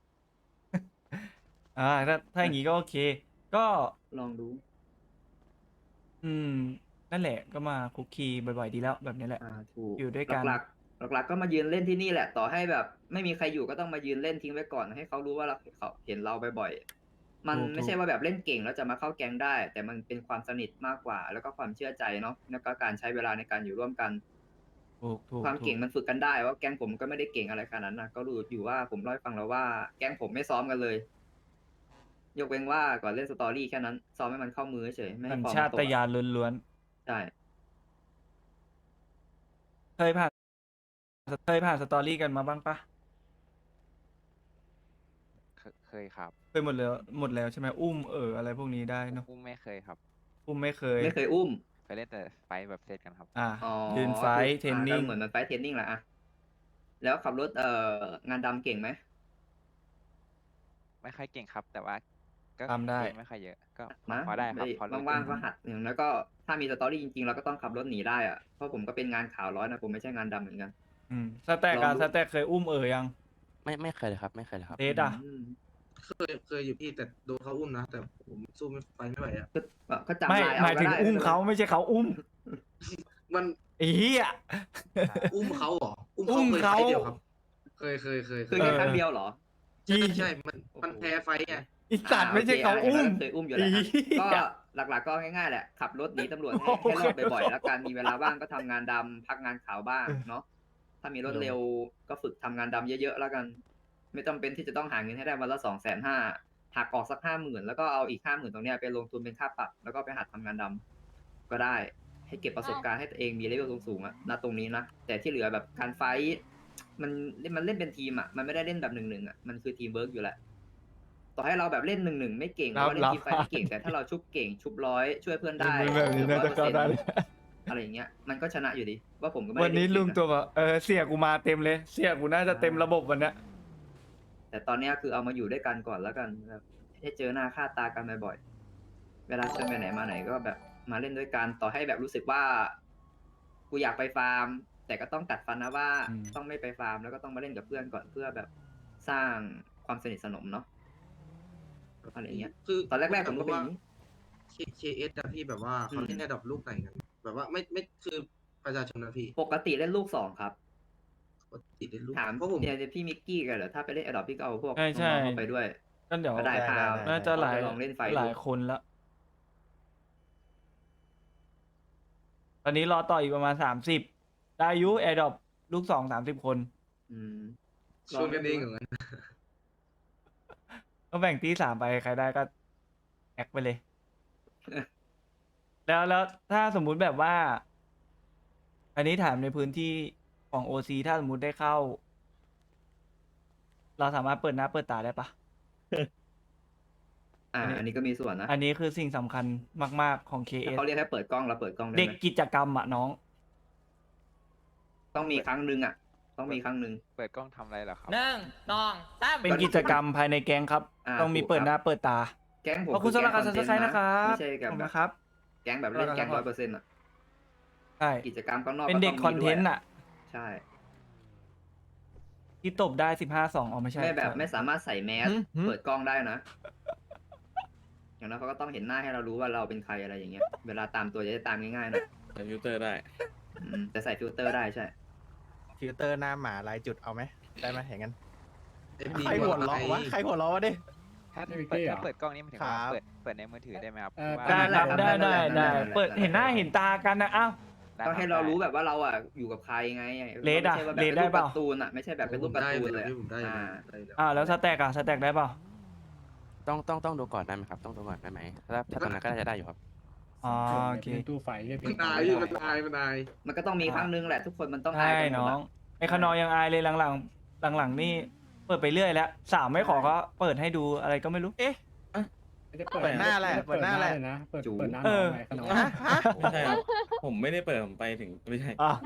[SPEAKER 2] อ่า ถ้าถ้าอย่างงี้ก็โอเค ก็
[SPEAKER 8] ลองดู
[SPEAKER 2] อืม นั่นแหละ ก็มาคุกคีบ่อยๆดีแล้วแบบนี้แหละ
[SPEAKER 8] อ่าถูก
[SPEAKER 2] อยู่ด้วยกัน
[SPEAKER 8] หลักๆหลักๆก็มายืนเล่นที่นี่แหละ ต่อให้แบบ ไม่มีใครอยู่ก็ต้องมายืนเล่นทิ้งไว้ก่อน ให้เขารู้ว่าเราเขาเห็นเราบ่อยๆมัน
[SPEAKER 2] ถูก
[SPEAKER 8] ไม่ใช่ว่าแบบเล่นเก่งแล้วจะมาเข้าแก๊งได้ แต่มันเป็นความสนิทมากกว่า แล้วก็ความเชื่อใจเนาะแล้วก็การใช้เวลาในการอยู่ร่วมกัน
[SPEAKER 2] ถูกถูก
[SPEAKER 8] ความ
[SPEAKER 2] ถู
[SPEAKER 8] เก่งมันฝึกกันได้ว่าแก๊งผมก็ไม่ได้เก่งอะไรขนาดนั้นนะก็รู้อยู่ว่าผมเล่าให้ฟังแล้วว่าแก๊งผมไม่ซ้อมกันเลย ยกเว้นว่าก่อนเล่นสตอรี่แค่นั้นซ้อมให้มันเข้ามือเฉยไม่
[SPEAKER 2] สั
[SPEAKER 8] ให้
[SPEAKER 2] ญ
[SPEAKER 8] ฟอร์ม
[SPEAKER 2] ชา
[SPEAKER 8] มันต
[SPEAKER 2] ต
[SPEAKER 8] ก
[SPEAKER 2] ญา
[SPEAKER 8] อะ
[SPEAKER 2] ณล้วน
[SPEAKER 8] ใช่
[SPEAKER 2] ๆเคยผ่านเคยผ่านสตอรี่กันมาบ้างปะ
[SPEAKER 6] เคเคยครับ
[SPEAKER 2] เคยหมดแล้วหมดแล้วใช่ไหมอุ้มเอออะไรพวกนี้ได้เนอะ
[SPEAKER 6] อุ้มไม่เคยครับ
[SPEAKER 2] อุ้มไม่เคย
[SPEAKER 8] ไม่เคยอุ้ม
[SPEAKER 6] เคยเล่นแต่ไฟท์แบบเซตกันครับ
[SPEAKER 2] อ่า
[SPEAKER 8] อ๋อ
[SPEAKER 2] ยืนไฟท์เทรนนิ่ง
[SPEAKER 8] อ่าก็เหมือนมันไฟท์เทรนนิ่งแหละอะแล้วขับรถเอ่องานดำเก่งไหม
[SPEAKER 6] ไม่ค่อยเก่งครับ แต่ว่าก็
[SPEAKER 2] ทำได้
[SPEAKER 6] เล่นไม่ค่อยเยอะ ก็
[SPEAKER 8] นะ
[SPEAKER 6] พอได้ครับพอรู้
[SPEAKER 8] ว่างๆก็หัดอย่างแล้วก็ถ้ามีสตอรี่จริงๆเราก็ต้องขับรถหนีได้อะเพราะผมก็เป็นงานข่าวร้อยนะผมไม่ใช่งานดำเหมือนกัน
[SPEAKER 2] อืมสแต็ก
[SPEAKER 8] ล
[SPEAKER 2] อะ
[SPEAKER 8] องดู
[SPEAKER 2] สแต็กเคยอุ้มเออยัง
[SPEAKER 5] ไม่ไม่เคยเลยครับ ไม่เคยเลยครับ
[SPEAKER 2] เทสอะ
[SPEAKER 8] ม
[SPEAKER 3] เคยเคยอยู่พี่แต่โดนเขาอุ้มนะ แต่ผมสู้ไม่ไปไม่ไหวอะ
[SPEAKER 8] ก็ก็จำ
[SPEAKER 2] ไม่
[SPEAKER 8] ลาย
[SPEAKER 2] ห
[SPEAKER 8] เอา
[SPEAKER 2] มาย
[SPEAKER 8] ก็
[SPEAKER 2] ถึง
[SPEAKER 8] ได้
[SPEAKER 2] อุ้มเขาไม่ใช่เขาอุ้ม
[SPEAKER 3] มัน
[SPEAKER 2] ไอ้เหี้ย
[SPEAKER 3] อุ้มเขาเหรอ อุ้ม
[SPEAKER 2] อุ้
[SPEAKER 3] เขา
[SPEAKER 2] ม
[SPEAKER 3] เคย
[SPEAKER 2] เขา
[SPEAKER 3] ไฟต์เดียวครับ เคยเคยเคยเค
[SPEAKER 8] คือย แค่ครั้งเดียวเหรอ
[SPEAKER 3] ใช่ใช่ มันมันแพ้ไฟต์ไง
[SPEAKER 2] อีสัตว์ไม่ใช่เขา
[SPEAKER 8] โค
[SPEAKER 2] อุ้ม
[SPEAKER 8] เคยอุ้มอยู่แล้ว
[SPEAKER 2] อี
[SPEAKER 8] อะ
[SPEAKER 2] เหี้ย
[SPEAKER 8] ก็หลักๆก็ง่ายๆแหละ ขับรถหนีตำรวจให้
[SPEAKER 2] โอ้
[SPEAKER 8] ให้
[SPEAKER 2] โห
[SPEAKER 8] รอดบ่อยๆ แล้วการมีเวลาว่างก็ทำงานดำพักงานขาวบ้างเนาะ ถ้ามีรถเร็วก็ฝึกทำงานดำเยอะๆแล้วกัน ไม่จำเป็นที่จะต้องหาเงินให้ได้วันละสองแสนห้าหักออกสักห้าหมื่นแล้วก็เอาอีกห้าหมื่นตรงเนี้ยไปลงทุนเป็นค่าปรับแล้วก็ไปหัดทำงานดำก็ได้ ให้เก็บประสบการณ์ให้ตัวเองมีเลเวลสูงๆอะณตรงนี้นะ แต่ที่เหลือแบบการไฟท์มันมันเล่นเป็นทีมอะมันไม่ได้เล่นแบบหนึ่งหนึ่งอะมันคือทีมเวิร์กอยู่แหละ ต่อให้เราแบบเล่นหนึ่งหนึ่งไม่เก่งหรือว่าเล่นทีมไฟท์ไม่เก่งแต่ถ้าเราชุบเก่งชุบร้อยช่วยเพื่อนได้
[SPEAKER 2] มึงแบบนี้น่าจะเข้าได้
[SPEAKER 8] อะไรอย่างเงี้ยมันก็ชนะอยู่ดีว่าผมก็ไม่
[SPEAKER 2] วัน
[SPEAKER 8] ได้
[SPEAKER 2] นี้
[SPEAKER 8] เก่
[SPEAKER 2] ลุง
[SPEAKER 8] นะ
[SPEAKER 2] ตัวแบบเออเสียกูมาเต็มเลย เสียกูน่าจะเต็มระบบวันเนี้ย
[SPEAKER 8] แต่ตอนเนี้ยคือเอามาอยู่ด้วยกันก่อนแล้วกันแบบให้เจอหน้าค่าตากันบ่อยๆเวลาชวนไปไหนมาไหนก็แบบมาเล่นด้วยกันต่อให้แบบรู้สึกว่ากูอยากไปฟาร์ม แต่ก็ต้องกัดฟันนะว่า
[SPEAKER 2] อืม
[SPEAKER 8] ต้องไม่ไปฟาร์มแล้วก็ต้องมาเล่นกับเพื่อนก่อนเพื่อแบบสร้างความสนิทสนมเนาะอะไรอย่างเงี้ย
[SPEAKER 3] คือ
[SPEAKER 8] ตอนแรกๆผมก็เป็นอย่างนี้
[SPEAKER 3] เคเอสอะพี่แบบว่าเขาเล่นในดอกลูกไหนกัน แบบว่าไม่ไม่คือประชาชนนะพี่
[SPEAKER 8] ปกติเล่นลูกสองครับ
[SPEAKER 3] ปกติเล่นลูก
[SPEAKER 8] ถาม
[SPEAKER 3] เพราะผม
[SPEAKER 8] เนี่ยพี่มิกกี้กันเหรอถ้าไปเล่นแอดดอปพี่ก็เอาพวก
[SPEAKER 2] ใช่ใช่
[SPEAKER 8] น้องๆเข้าไปด้วย
[SPEAKER 2] ก็เดี๋ยว
[SPEAKER 8] ก็ได้พาว
[SPEAKER 2] น่าจะหลาย
[SPEAKER 8] ลองเล่นไฟ
[SPEAKER 2] หลายคนละอนนี้รอต่ออีกประมาณสามสิบได้อายุแอร์ดรอปลูกสองสามสิบคน
[SPEAKER 8] อืม
[SPEAKER 3] ชวนกันเองเหรองั้น
[SPEAKER 2] ก็แบ่งตีสามไปใครได้ก็แอคไปเลย แล้วแล้วถ้าสมมุติแบบว่า อันนี้ถามในพื้นที่ของโอซีถ้าสมมุติได้เข้า เราสามารถเปิดหน้าเปิดตาได้ปะ
[SPEAKER 8] อ่า
[SPEAKER 2] อันนี้
[SPEAKER 8] อันนี้ก็มีส่วนนะ
[SPEAKER 2] อันนี้คือสิ่งสำคัญมาก ๆ ของ เค เอ
[SPEAKER 8] ถ้า
[SPEAKER 2] ส
[SPEAKER 8] เขาเรียกให้เปิดกล้องเราเปิดกล้องได้
[SPEAKER 2] เด็ก
[SPEAKER 8] ไหม
[SPEAKER 2] กิจกรรมอะน้อง
[SPEAKER 8] ต้องมีครั้งหนึ่งอ่ะ ต้องมีครั้งหนึ่ง
[SPEAKER 6] เปิดกล้องทำอะไรเหรอครับ
[SPEAKER 7] หนึ่งสองสาม
[SPEAKER 2] เป็นกิจกรรมภายในแก๊งครับ
[SPEAKER 8] อ่า
[SPEAKER 2] ต้องมี
[SPEAKER 8] ถูก
[SPEAKER 2] เปิด
[SPEAKER 8] ครับ
[SPEAKER 2] หน้าเปิดตา
[SPEAKER 8] แก๊งผม
[SPEAKER 2] ขอบคุณสำหรับการซับสไครต์นะครับ
[SPEAKER 8] ไม่ใช่
[SPEAKER 2] ข
[SPEAKER 8] กั
[SPEAKER 2] อ
[SPEAKER 8] บบ
[SPEAKER 2] คุณ
[SPEAKER 8] แบบ
[SPEAKER 2] นะครับ
[SPEAKER 8] แก๊งแบบเล่นแก๊งร้อยเปอร์เซ็นต์อ่ะ
[SPEAKER 2] ใช่
[SPEAKER 8] กิจกรรมข้างนอก
[SPEAKER 2] เป็นเด็ก
[SPEAKER 8] ต้ง
[SPEAKER 2] คอนเทนต์
[SPEAKER 8] ด้วย
[SPEAKER 2] อะ
[SPEAKER 8] ใช่
[SPEAKER 2] ที่ตบได้สิบห้าสองอ๋อไม่ใช่
[SPEAKER 8] ไม่แบบ
[SPEAKER 2] ใช่
[SPEAKER 8] ไม่สามารถใส่แมส
[SPEAKER 9] หืมหืม
[SPEAKER 8] เปิดกล้องได้นะ อย่างนั้นเขาก็ต้องเห็นหน้าให้เรารู้ว่าเราเป็นใครอะไรอย่างเงี้ย เวลาตามตัวจะได้ตามง่ายๆหน่อย
[SPEAKER 9] ใส่ฟิลเตอร์ได้
[SPEAKER 8] อืมแต่ใส่ฟิลเตอร์ได้ใช่
[SPEAKER 10] ฟิลเตอร์หน้าหมาลายจุดเอาไหมได้ไหมอย่างนั้น
[SPEAKER 3] เอฟดี
[SPEAKER 10] ใครหัวเราะวะใครหัวเราะวะดิ
[SPEAKER 6] ถ้า
[SPEAKER 9] ไม่มี
[SPEAKER 6] เปิด
[SPEAKER 9] เก้เหรอ
[SPEAKER 6] ถ้าเปิดกล้องนี่มันถึงว่า
[SPEAKER 10] ครับ
[SPEAKER 6] เปิดเปิดในมือถือได้ไหมครับ
[SPEAKER 9] เออ
[SPEAKER 6] ว่า
[SPEAKER 2] ได้ครับ
[SPEAKER 8] ได้
[SPEAKER 2] ได้
[SPEAKER 8] ครับ
[SPEAKER 2] ได้
[SPEAKER 8] ได้
[SPEAKER 2] ได้
[SPEAKER 8] ได้
[SPEAKER 2] เปิด
[SPEAKER 8] ได้
[SPEAKER 2] เห็นหน้าเห็นตากันนะอ้าว
[SPEAKER 6] ได้
[SPEAKER 8] ก็
[SPEAKER 6] คบ
[SPEAKER 8] ให้เรา
[SPEAKER 6] ได้
[SPEAKER 8] รู้แบบว่าเราอ่ะอยู่กับใครไง
[SPEAKER 2] เลดอะ
[SPEAKER 8] ไม่ใช่ว่าแบบ
[SPEAKER 2] เล
[SPEAKER 8] เป็
[SPEAKER 2] ด
[SPEAKER 8] น
[SPEAKER 2] ได้
[SPEAKER 8] รูป
[SPEAKER 2] เปล่า
[SPEAKER 8] การ์ตูนอ่ะไม่ใช่แบบเป็นรูป
[SPEAKER 3] ผม
[SPEAKER 8] การ์
[SPEAKER 3] ได้
[SPEAKER 8] ตู
[SPEAKER 3] อน ยู่
[SPEAKER 8] เลย
[SPEAKER 3] พี่
[SPEAKER 8] อะ
[SPEAKER 3] ผมได้อยู่
[SPEAKER 8] อ่า
[SPEAKER 3] ได้อยู่
[SPEAKER 2] อ่าแล้วสแต็กอะสแต็กได้เปล่า
[SPEAKER 5] ต้องต้องต้องดูก่อนได้ไหมครับ ต้องดูก่อนได้ไหมถ้าถ้าตอนนั้นก็น่าจะได้อยู่ครับ
[SPEAKER 2] อ๋อโอเค
[SPEAKER 9] เป็นตู้ไฟเหี้ย
[SPEAKER 3] มันตายพี่มันตายมันตาย
[SPEAKER 8] มันก็ต้องมีครั้งหนึงแหละทุกคนมันต้องอา
[SPEAKER 2] ใช่
[SPEAKER 8] ยกันหม
[SPEAKER 2] น้
[SPEAKER 8] ด
[SPEAKER 2] อ
[SPEAKER 8] อะ
[SPEAKER 2] งไอ้ขนอยังอายเลยหลังๆหลังๆนี่เปิดไปเรื่อยแล้วสาวไม่ขอก็เปิดให้ดูอะไรก็ไม่รู้
[SPEAKER 10] เอ๊ะ
[SPEAKER 9] ไม่ได้
[SPEAKER 10] เปิดหน้าแหละเปิดหน้าแหละ
[SPEAKER 9] เลยนะเปิดเปิดหน้า
[SPEAKER 2] เอ
[SPEAKER 9] น้อง
[SPEAKER 2] อ
[SPEAKER 9] ไงขนม
[SPEAKER 10] ฮะฮะ
[SPEAKER 11] ไม่ใช่ครับ ผมไม่ได้เปิดผมไปถึงไม่ใช่
[SPEAKER 2] อ่ะ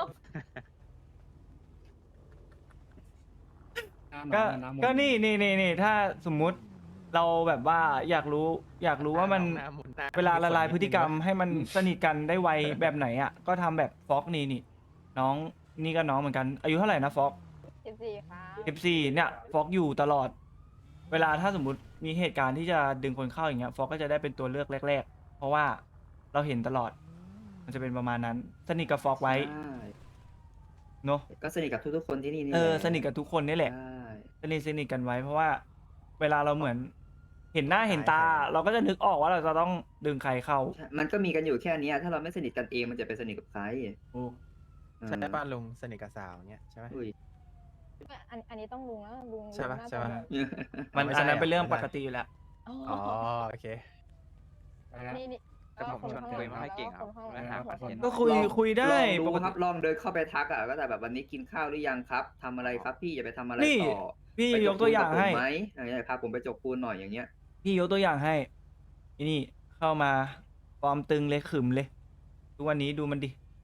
[SPEAKER 9] หน้า
[SPEAKER 2] ก็
[SPEAKER 9] น้องหน้ามนต์
[SPEAKER 2] ก็นี่นี่นี่นี่ถ้าสมมุติเราแบบว่าอยากรู้ อยากรู้ว่ามัน
[SPEAKER 10] หน้หหหน้
[SPEAKER 2] เวลาละลายพฤติกรรม
[SPEAKER 10] นิดนึงวะ
[SPEAKER 2] ให้มันสนิทกันได้ไวแบบไหนอ่ะ ก็ทำแบบฟอกนี่นี่ น้องนี่ก็น้องเหมือนกัน อายุเท่าไหร่นะฟอก
[SPEAKER 4] สิบสี่ครับ
[SPEAKER 2] สิบสี่เนี่ยฟอกอยู่ตลอด เวลาถ้าสมมติมีเหตุการณ์ที่จะดึงคนเข้าอย่างเงี้ยฟอกก็จะได้เป็นตัวเลือกแรก ๆ เพราะว่าเราเห็นตลอด มันจะเป็นประมาณนั้น สนิทกับฟอกไว้
[SPEAKER 8] ใช่
[SPEAKER 2] เนอะ
[SPEAKER 8] ก็สนิทกับทุกๆคนที่นี่นี่
[SPEAKER 2] เออ
[SPEAKER 8] แหละ
[SPEAKER 2] สนิทกับทุกคนนี่แหละ
[SPEAKER 8] ใช่
[SPEAKER 2] สนิทสนิทกันไว้ เพราะว่า เวลาเราเหมือน เห็นหน้าเห็นตา เราก็จะนึกออกว่าเราจะต้องดึงใครเข้า
[SPEAKER 8] ใช่มันก็มีกันอยู่แค่เนี้ยถ้าเราไม่สนิทกันเองมันจะไปสนิทกับใคร
[SPEAKER 2] ถูก
[SPEAKER 8] เออ
[SPEAKER 10] ใช่ป่ะลุงสนิทกับสาวเงี้ยใช่ไหม
[SPEAKER 8] อุ้ย
[SPEAKER 4] อันอันนี้ต้องลุงแล้วลุง
[SPEAKER 10] ใช่ปะ
[SPEAKER 4] ลุงน่า
[SPEAKER 10] ใช่ปะ
[SPEAKER 4] จะ
[SPEAKER 2] มัน
[SPEAKER 10] ไม่
[SPEAKER 2] อั
[SPEAKER 10] ใช่
[SPEAKER 2] นนั้นเป็นเรื่อง
[SPEAKER 10] ไม่
[SPEAKER 2] ป
[SPEAKER 10] ใช่
[SPEAKER 2] กติอยู่แล้ว
[SPEAKER 4] อ๋อ
[SPEAKER 10] อ๋อโอเค
[SPEAKER 4] นี่นี่
[SPEAKER 6] แต่ผม
[SPEAKER 4] ก็
[SPEAKER 6] ชวน
[SPEAKER 4] ข้างห
[SPEAKER 6] คุ
[SPEAKER 4] ลั
[SPEAKER 6] ย
[SPEAKER 4] ง
[SPEAKER 6] ไม่ค่อยเก่งครับ
[SPEAKER 4] แล้ว
[SPEAKER 6] ไม่
[SPEAKER 4] ข้างห
[SPEAKER 6] หา
[SPEAKER 4] ลัง
[SPEAKER 6] คอนเทนต์
[SPEAKER 2] ก็คุย
[SPEAKER 8] ลอง
[SPEAKER 2] คุยได้
[SPEAKER 8] ลองดู
[SPEAKER 2] ปก
[SPEAKER 8] ค
[SPEAKER 2] ติ
[SPEAKER 8] รับลองเดินเข้าไปทักอ่ะก็แต่แบบวันนี้กินข้าวหรือยังครับทำอะไรครับ พี่จะไปทำอะไร
[SPEAKER 2] นี่
[SPEAKER 8] ต่อ
[SPEAKER 2] พี่
[SPEAKER 8] ไปจ
[SPEAKER 2] ยกตัวอย่าง
[SPEAKER 8] ปูนกับผม
[SPEAKER 2] ให้
[SPEAKER 8] ไหมอะไรเงี้ยพาผมไปจกปูนหน่อยอย่างเงี้ย
[SPEAKER 2] พี่ยกตัวอย่างให้อีนี่เข้ามาฟอร์มตึงเลยขึมเลยทุกวันนี้ดูมันดิ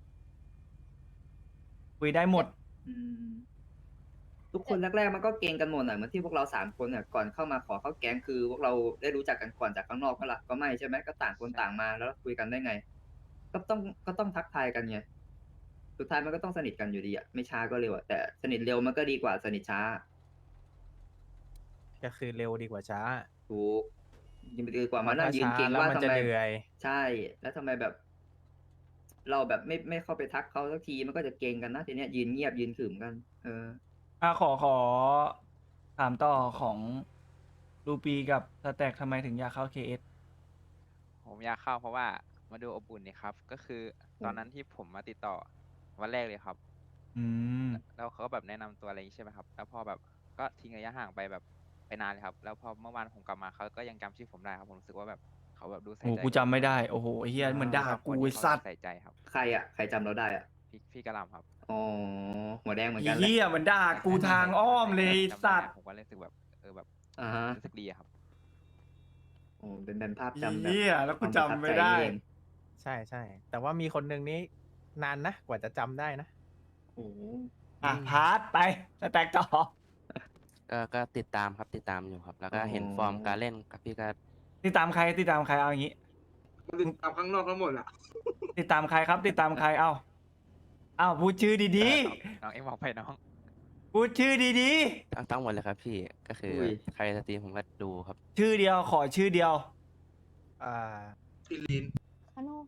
[SPEAKER 2] คุยได้หมด
[SPEAKER 8] อืมทุกคนแรกๆมันก็เก่งกันหมดอ่ะเหมือนที่พวกเราสามคนเนี่ยก่อนเข้ามาขอเข้าแก๊งคือ พวกเราได้รู้จักกันก่อนจากข้างนอกก็ละก็ไม่ใช่ไหมก็ต่างคนต่างมาแล้วคุยกันได้ไง ก็ต้องก็ต้องทักทายกันไงสุดท้ายมันก็ต้องสนิทกันอยู่ดีอ่ะไม่ช้าก็เร็วอ่ะแต่สนิทเร็วมันก็ดีกว่าสนิทช้า
[SPEAKER 10] ก็คือเร็วดีกว่าช้า
[SPEAKER 8] ถูกยิ่งดีกว่ามานั่งยืน
[SPEAKER 10] ช้า
[SPEAKER 8] เก่ง
[SPEAKER 10] แล้ว
[SPEAKER 8] ว่า
[SPEAKER 10] มัน
[SPEAKER 8] ทำ
[SPEAKER 10] จะ
[SPEAKER 8] ไม
[SPEAKER 10] เหนื่อย
[SPEAKER 8] ใช่ แล้วทำไมแบบ เราแบบไม่ไม่เข้าไปทักเขาสักทีมันก็จะเก่งกันนะทีเนี้ยยืนเงียบยืนขรึมกัน เออ
[SPEAKER 2] อ่ะขอขอถามต่อของรูปีกับสแต็กทำไมถึงอยากเข้า เค เอส
[SPEAKER 6] ผมอยากเข้าเพราะว่ามาดูอบอุ่นนี่ครับ ก็คือตอนนั้นที่ผมมาติดต่อวันแรกเลยครับ
[SPEAKER 2] อืม
[SPEAKER 6] แล้วเขาก็แบบแนะนำตัวอะไรอย่างงี้ใช่ไหมครับ แล้วพอแบบก็ทิ้งระยะห่างไปแบบไปนานเลยครับ แล้วพอเมื่อวานผมกลับมาเขาก็ยังจำชื่อผมได้ครับ ผมรู้สึกว่าแบบเขาแบบดูใส่
[SPEAKER 2] โอ้
[SPEAKER 6] ใจ
[SPEAKER 2] กูจำไม่ได้ โอ้โหไอ้เฮียเหมือนด่ากูไอ้สัตว์
[SPEAKER 6] ใส่ใจครับ
[SPEAKER 8] ใครอ่ะ ใครจำเราได้อ่ะ
[SPEAKER 6] พี่พี่กระหลำครับ
[SPEAKER 8] อ๋อ หัวแดงเหมือน
[SPEAKER 2] ไอ้
[SPEAKER 8] กันแหละ
[SPEAKER 2] เฮียเหมือนด่ากูทางอ้อมเลยไอ้
[SPEAKER 6] จำได้
[SPEAKER 2] สัตว์
[SPEAKER 6] ผมก็รู้สึกแบบเออแบบ
[SPEAKER 8] อ่าฮะ
[SPEAKER 6] รู้สึกดีอะครับ
[SPEAKER 8] โอ้เป็นเป็นภาพจำแบบ
[SPEAKER 2] เฮียแล้วกูจำไม่ได้
[SPEAKER 8] ความประทับใจเอง
[SPEAKER 10] ใช่ใช่แต่ว่ามีคนหนึ่งนี้นานนะกว่าจะจำได้นะ
[SPEAKER 8] โอ้โห
[SPEAKER 2] อ่ะพาร์ทไปสแต็กต่อ
[SPEAKER 5] ก็ก็ติดตามครับติดตามอยู่ครับ แล้วก็เห็นฟอร์มการเล่นกับพี่ก็
[SPEAKER 2] ติดตามใครติดตามใครเอาอย่างงี้
[SPEAKER 3] มันติดตามข้างนอกทั้งหมดอ่ะ
[SPEAKER 2] ติดตามใครครับ ติดตามใครเอาเอาพูดชื่อดี
[SPEAKER 6] น้องเอ็งบอกไปน้อง
[SPEAKER 2] ๆพูดชื่อดี
[SPEAKER 5] ทั้งทั้งหมดเลยครับพี่ก็คืออย ใครสตรีมผมก็ดูครับ
[SPEAKER 2] ๆ ชื่อเดียวขอชื่อเดียว
[SPEAKER 10] อ่า
[SPEAKER 3] พี่ลิน
[SPEAKER 4] ขนม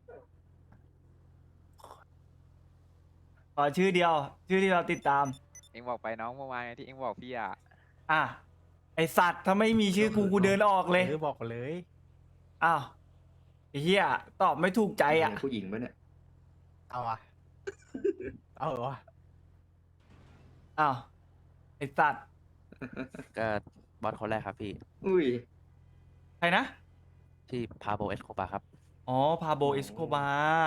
[SPEAKER 2] ขอชื่อเดียว ชื่อที่เราติดตาม
[SPEAKER 6] เอ็งบอกไปน้องเมื่อวานไงที่เอ็งบอกพี่อะ
[SPEAKER 2] อ่ะไอสัตว์ถ้าไม่มีชื่อกูกูเดินออกเลย
[SPEAKER 10] หรือบอกเลย
[SPEAKER 2] อ้าวไอ้เฮียตอบไม่ถูกใจอ่ะ
[SPEAKER 8] ผู้หญิงปะเนี่ย
[SPEAKER 10] เอาอะเอาเหรอวะ
[SPEAKER 2] อ้าวไอสัตว์
[SPEAKER 5] ก็บอสคนแรกครับพี่
[SPEAKER 8] อุ้ย
[SPEAKER 2] ใครนะ
[SPEAKER 5] ที่พาโบเอสโคบาครับ
[SPEAKER 2] อ๋อ พาโบเอสโคบา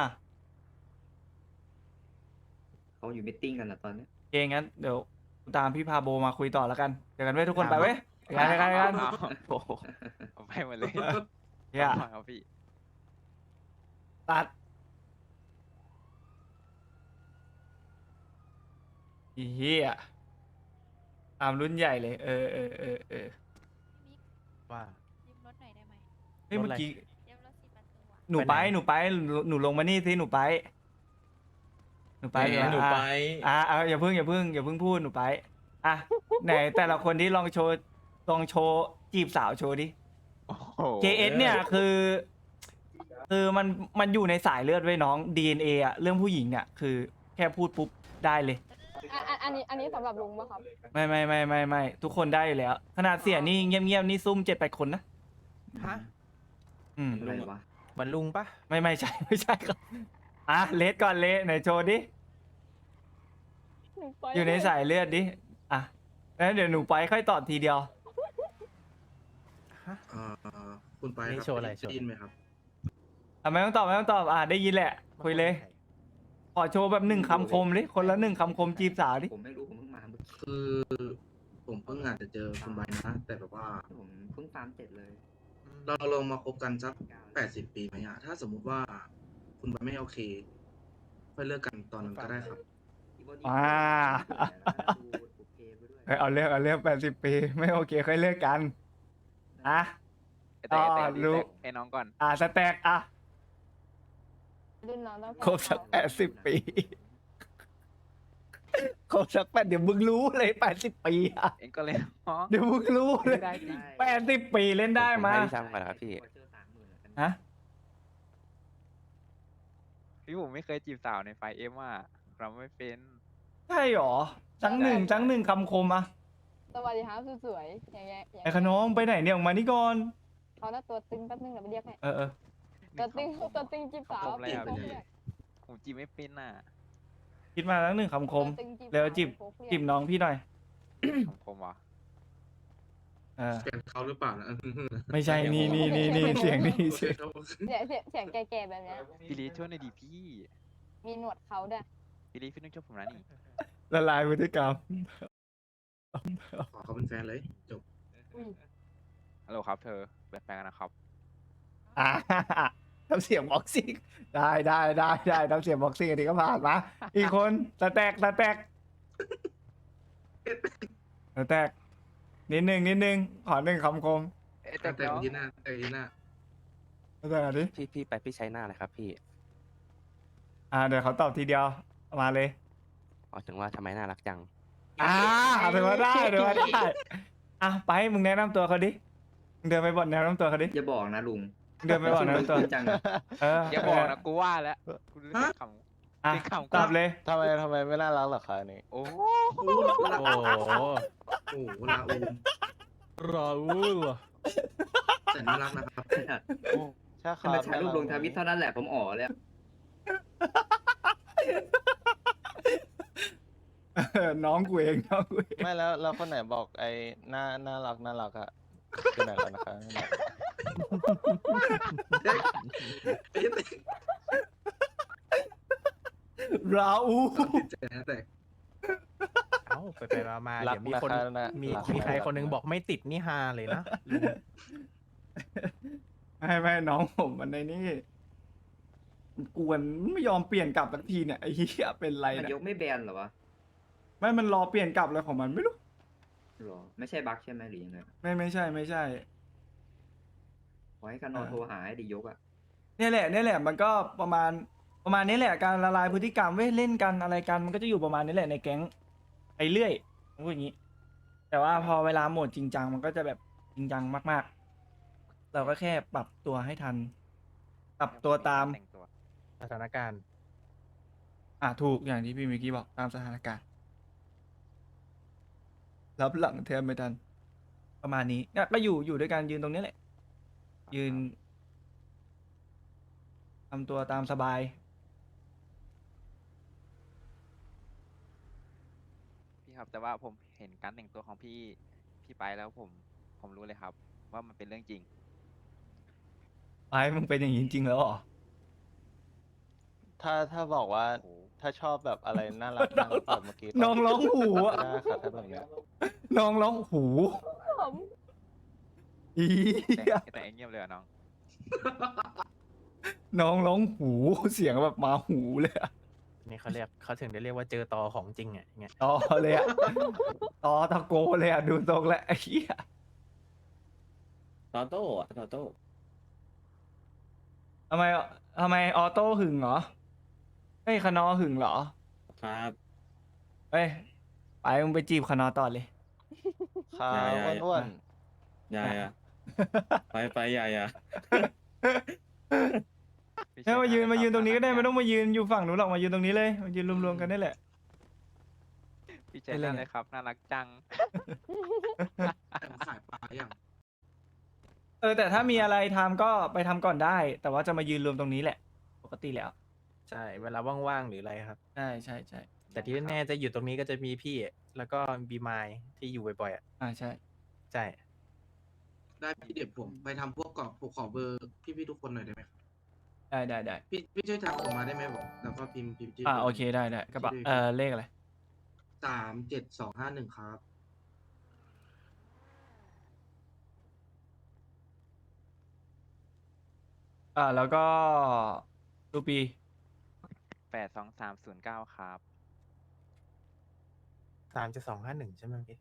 [SPEAKER 8] เขาอยู่มิทติ้งกันนะตอนเนี้ย
[SPEAKER 2] เองงั้นเดี๋ยวกูตามพี่พาโบมาคุยต่อแล้วกันเจอกันไว้ยทุกคนไปเว้ยไปกันไปกันไปกัน
[SPEAKER 6] เอา
[SPEAKER 5] โอ้โห
[SPEAKER 6] เอาไปหมดเลย
[SPEAKER 2] เฮีย
[SPEAKER 6] เอาครับพี่
[SPEAKER 2] ตัดอีเฮียตามรุ่นใหญ่เลย เออเออเออเออ
[SPEAKER 10] ว่า
[SPEAKER 4] ยืมรถหน่อยได้ไหม
[SPEAKER 2] เฮ้ย
[SPEAKER 10] รถ
[SPEAKER 2] เมื่
[SPEAKER 10] อะไร
[SPEAKER 2] อกี้
[SPEAKER 4] ยืมรถสี่ประตูอะ
[SPEAKER 2] หนูไป
[SPEAKER 10] ไปไหน
[SPEAKER 2] หนูไปหนูหนูลงมานี่สิหนูไป หนูไป
[SPEAKER 11] แหมหนู
[SPEAKER 2] อ่ะ
[SPEAKER 11] ไป
[SPEAKER 2] อ่ะอ่ะอย่าเพิ่งอย่าเพิ่งอย่าเพิ่งพูดหนูไปอ่ะไหนแต่ละคนที่ลองโชว์ลองโชว์จีบสาวโชว์ดิ
[SPEAKER 6] โอ้โห
[SPEAKER 2] เค เอส เนี่ยคือ คือมันมันอยู่ในสายเลือดไว้ยน้อง ดี เอ็น เอ อะเรื่องผู้หญิงเนี่ยคือแค่พูดปุ๊บได้เลย
[SPEAKER 4] อ่ะอันนี้อันนี้สำหรับลุงป่ะครับ
[SPEAKER 2] ไม่ไม่ไม่ไม่ไม่ทุกคนได้อยู่แล้ว ขนาดเสียนี่เงียบๆนี่ซุ่มเจ็ดแปดคนนะ
[SPEAKER 10] ฮะ
[SPEAKER 2] อืม
[SPEAKER 8] อะไรวะ
[SPEAKER 10] เหมือนลุงปะ
[SPEAKER 2] ไม่ไม่ใช่ ไม่ใช่ครับอ่ะเลสก่อนเลสไหนโชว์ดิ อยู่ในสายเลือดดิอ่ะแล้วเดี๋ยวหนูไปค่อยตอบทีเดียว
[SPEAKER 3] เอ่อคุณไปค
[SPEAKER 10] นี่
[SPEAKER 3] รับ
[SPEAKER 10] โชว์อะไรโชว์
[SPEAKER 3] ได้ยินไหมครับ
[SPEAKER 2] อ่ะไม่ต้องตอบไม่ต้องตอบอ่ะได้ยินแหละ คุยเลย ขอโชว์แบบหนึ่งคำคมดิคนละหนึ่งคำคมจีบสาวดิ
[SPEAKER 8] ผมไม่รู้ผมเพิ่งมาเมื่อกี้
[SPEAKER 3] คือผมเพิ่งอาจจะเจอคุณใบนะ แต่แบบว่า
[SPEAKER 8] ผมเพิ่งฟาร์มเสร็จเลย
[SPEAKER 3] เราลองมาคบกันสักแปดสิบปีไหมอะถ้าสมมุติว่าคุณใบไม่โอเค ค่อยเลิกกันตอนนั้นก็ได้ครับ
[SPEAKER 2] อ่า เอ้ยเอาเรื่องเอาเรื่องแปดสิบปีไม่โอเคค่อยเลิกกันอ่ะ
[SPEAKER 6] ไอ้แต่ไอ้แต่
[SPEAKER 2] อ๋อ
[SPEAKER 6] ไอ้
[SPEAKER 2] รู้
[SPEAKER 6] แต่ไอ้น้องก่อน
[SPEAKER 2] อ่ะสแต็กอ่ะ
[SPEAKER 4] รุ่นน้องต้อง
[SPEAKER 2] ครบสักแปดสิบปีครบสักแปดเดี๋ยวมึงรู้เลยแปดสิบปีอ่ะ
[SPEAKER 6] เองก็เลยน้อง
[SPEAKER 2] เดี๋ยวมึงรู้เลย
[SPEAKER 6] ได้จริง
[SPEAKER 2] แปดสิบปีเล่นได้
[SPEAKER 5] ผม
[SPEAKER 2] มา
[SPEAKER 5] ให้พี่ซ้ำก่อนนะครับพี่
[SPEAKER 2] ฮะ
[SPEAKER 6] พี่ผมไม่เคยจีบสาวในไฟเอ็มอ่ะเราไม่เป็น
[SPEAKER 2] ใช่หรอจังหนึ่งจังหนึ่งคำคมอ่ะ
[SPEAKER 4] สวัสดีครับสวยๆอย่างเงี้ยอย่าง
[SPEAKER 2] ไอ้
[SPEAKER 4] เงี้ย
[SPEAKER 2] ขน้องไปไหนเนี่ยออกมานี่ก่อน
[SPEAKER 4] เขาหน้าตัวตึงแป๊บนึงเดี๋ยวไปเรียกให้
[SPEAKER 2] เออเออ
[SPEAKER 4] ตัวตึงตัวตึงจีบสาว
[SPEAKER 6] ผมอะไรอ่ะ
[SPEAKER 4] ตัว
[SPEAKER 6] พี่
[SPEAKER 4] เรียก
[SPEAKER 6] ผมจีบไม่เป็นอ่ะ
[SPEAKER 2] คิดมาแล้วหนึ่งคำคม
[SPEAKER 4] ตัวตึงจีบ
[SPEAKER 2] เร็ว
[SPEAKER 4] สาว
[SPEAKER 2] จีบ
[SPEAKER 4] โค้กเรียก
[SPEAKER 2] จีบน้องพี่หน่อย
[SPEAKER 6] คำคมวะ
[SPEAKER 2] เออ
[SPEAKER 3] เป็นเขาหรือเปล่านะ
[SPEAKER 2] ไม่ใช่นี่นี่นี่นี่เสียงนี่
[SPEAKER 3] โอเค
[SPEAKER 2] เสียง
[SPEAKER 3] ครับ
[SPEAKER 4] เสียงเสียงเสียงแก่ๆแบบเนี้ย
[SPEAKER 6] พี่ลีช่วยหน่อยดิพี่
[SPEAKER 4] มีหนวดเขาด้วย
[SPEAKER 6] พี่ลีพี่ต้องช่วยผมนะนี่
[SPEAKER 2] ละลายพฤติกรรม
[SPEAKER 3] ขอเขาเป็นแฟนเลย จบ
[SPEAKER 4] อุ้ย
[SPEAKER 6] ฮัลโหลครับเธอแบบแฟนกันนะครับ
[SPEAKER 2] อ่าทำเสียงบ็อกซิ่งได้ได้ได้ได้ทำเสียงบ็อกซิ่งอันนี้ก็ผ่านมาอีกคนสแต็กสแต็กสแต็กนิดนึงนิดนึงขอหนึ่งคำคม
[SPEAKER 6] เอ๊ะแต่
[SPEAKER 3] แต่
[SPEAKER 6] เดี๋ยว
[SPEAKER 3] ยีหน้าแต่ยีหน้า
[SPEAKER 2] สแต็กอันนี้
[SPEAKER 5] พี่พี่ไปพี่ใช้หน้าเลยครับพี่
[SPEAKER 2] อ่าเดี๋ยวเขาตอบทีเดียวมาเลย
[SPEAKER 5] อ๋อถึงว่าทำไมน่ารักจัง
[SPEAKER 2] อ่าถือว่าได้ถือว่าได้อ่ะไปมึงแนะนำตัวเขาดิมึงเดินไปบอกแนะนำตัวเขาดิ
[SPEAKER 8] อย่าบอกนะลุง
[SPEAKER 2] มึงเดินไปบอกแนะนำตัว
[SPEAKER 8] จริงจังอะ
[SPEAKER 2] เออ
[SPEAKER 6] อย่าบอกนะกูว่าแล้วกูรู้สึกขำ
[SPEAKER 2] อ่ะ
[SPEAKER 6] เป็นคำ
[SPEAKER 2] ตอบเลย
[SPEAKER 9] ทำไมทำไมไม่น่ารักหรอคะนี่
[SPEAKER 6] โอ้
[SPEAKER 3] โอ้โหลา
[SPEAKER 9] โอ้โห
[SPEAKER 3] โอ้โหลาอูม
[SPEAKER 9] ราอูล
[SPEAKER 3] แต่น่ารักนะครับ
[SPEAKER 9] ใช่ค
[SPEAKER 8] ถ้า
[SPEAKER 9] รับ
[SPEAKER 8] มาถ่ายรูปลงทวิตเท่านั้นแหละผมอ๋อเลยอะ
[SPEAKER 2] เออน้องกูเองน้องกูเอง
[SPEAKER 9] ไม่แล้วแล้วคนไหนบอกไอ้น่าน่ารักน่ารักอะคือไหนแล้วนะคะ
[SPEAKER 3] ไอ้เด็ก
[SPEAKER 2] ราอู
[SPEAKER 3] ติดใจนะแต่
[SPEAKER 10] เอ้าไปไปมามา
[SPEAKER 9] รั
[SPEAKER 10] เดี๋ยวมีคน
[SPEAKER 9] ะะ
[SPEAKER 10] มี
[SPEAKER 9] รัก
[SPEAKER 10] มีใคร
[SPEAKER 9] ะ
[SPEAKER 10] คนนึงบอกไม่ติดนี่ฮาเลยนะลุง
[SPEAKER 2] ไม่ไม่น้องผมมันในนี่กวนไม่ยอมเปลี่ยนกลับสักทีเนี่ยไอ้เหี้ยเป็นไร
[SPEAKER 8] นาย
[SPEAKER 2] เนี่ย
[SPEAKER 8] กไม่แบนเหรอวะ
[SPEAKER 2] ไม่มันรอเปลี่ยนกลับเลยของมันไม่รู้
[SPEAKER 8] หรอไม่ใช่บั๊กใช่ไหมหรือยังไง
[SPEAKER 2] ไม่ไม่ใช่ไม่ใช่
[SPEAKER 8] ขอให้กันนอนโทรหาให้ดียกอะ
[SPEAKER 2] เนี่ยแหละเนี่ยแหละมันก็ประมาณประมาณนี้แหละการละลายพฤติกรรมเว้ยเล่นกันอะไรกันมันก็จะอยู่ประมาณนี้แหละในแก๊งไปเรื่อยผมพูดอย่างนี้ แต่ว่าพอเวลาโหมดจริงจังมันก็จะแบบจริงจังมากๆ เราก็แค่ปรับตัวให้ทัน ปรับตัวตาม
[SPEAKER 6] แต่งตัว
[SPEAKER 10] สถานการณ์
[SPEAKER 2] อ่ะถูกอย่างที่พี่มิกกี้บอกตามสถานการณ์รับหลังแทนไม่ทัน ประมาณนี้เนี่ยก็อยู่อยู่ด้วยกันยืนตรงนี้แหละ ยืนทำตัวตามสบาย
[SPEAKER 6] ครับ แต่ว่าผมเห็นการแต่งตัวของพี่พี่ไปแล้วผมผมรู้เลยครับ ว่ามันเป็นเรื่องจริง
[SPEAKER 2] ไอ้มึงเป็นอย่างนี้จริงๆแล้วเหรอ
[SPEAKER 9] ถ้าถ้าบอกว่า
[SPEAKER 6] โอ้โห
[SPEAKER 9] ถ้าชอบแบบอะไรน่ารักน่ารักแบบเมื่อกี้ก็
[SPEAKER 2] น้องร้องหู
[SPEAKER 9] ก็
[SPEAKER 2] อะ
[SPEAKER 9] ได้ครับถ้าแบบเนี้ย
[SPEAKER 2] น้องร้องหูอี
[SPEAKER 6] แต่
[SPEAKER 2] เหี้ย
[SPEAKER 6] แต่เงียบเลยอะน้อง
[SPEAKER 2] น้องร้องหูเสียงแบบมาหูเลยอะ
[SPEAKER 10] นี่เขาเรียกเขาถึงได้เรียกว่าเจอตอของจริงอ่ะอย่างเงี้ย
[SPEAKER 2] ต่อเลยอะต่อตะโกเลยอะดูทรงแล้วไอ้เหี้ย
[SPEAKER 11] ตอโต้อะตอโต้
[SPEAKER 2] ทำไมทำไมออโต้หึงเหรอเฮ้ยคานอหึงเหรอ
[SPEAKER 11] ครับ
[SPEAKER 2] เฮ้ยไปมึงไปจีบคานอต่อเลย
[SPEAKER 9] ครับ
[SPEAKER 11] ใหญ่ใหญ่
[SPEAKER 9] อ้วน
[SPEAKER 11] ยายอะไปไปยายอะ
[SPEAKER 6] พี่
[SPEAKER 2] เฮ้ยมายืน
[SPEAKER 6] เชิญ
[SPEAKER 2] มายืนตรงนี้ก็ได้
[SPEAKER 6] ะคบ
[SPEAKER 2] ไม่ต้องมายืนอยู่ฝั่งนู้นหรอกมายืนตรงนี้เลยมายืนรวมๆกันได้แหละ
[SPEAKER 6] พี่เจนนั่นเลยครับ น่ารักจัง
[SPEAKER 3] แต่งขายปลาอย่าง
[SPEAKER 2] เออแต่ถ้ามีอะไรทำก็ไปทำก่อนได้ แต่ว่าจะมายืนรวมตรงนี้แหละ ปกติแล้ว
[SPEAKER 10] ใช่เวลาว่างๆหรืออะไรครับ
[SPEAKER 2] ใช่ใช่ใช่
[SPEAKER 10] แต่ที่แน่ๆจะอยู่ตรงนี้ก็จะมีพี่ แล้วก็บีมายที่อยู่บ่อยๆอ่ะ
[SPEAKER 2] อ่าใช่
[SPEAKER 10] ใช่
[SPEAKER 3] ได้พี่เดี๋ยวผมไปทำพวกกรอบผมขอเบอร์พี่ๆทุกคนหน่อยได้ไหมครับ
[SPEAKER 2] ได้ได้ได้
[SPEAKER 3] พี่พี่ช่วยทำออกมาได้ไหมผมแล้วก็พิมพ์พิมพ์ชื่
[SPEAKER 2] อ่าโอเคได้ได้กระเป๋าเออเลขอะไร
[SPEAKER 3] สามเจ็ดสองห้าหนึ่งครับ
[SPEAKER 2] อ่าแล้วก็รูปี
[SPEAKER 6] แปดสองสามศูนย์เก้าครับ
[SPEAKER 10] สามจะสองห้าหนึ่งใช่ไหมพี่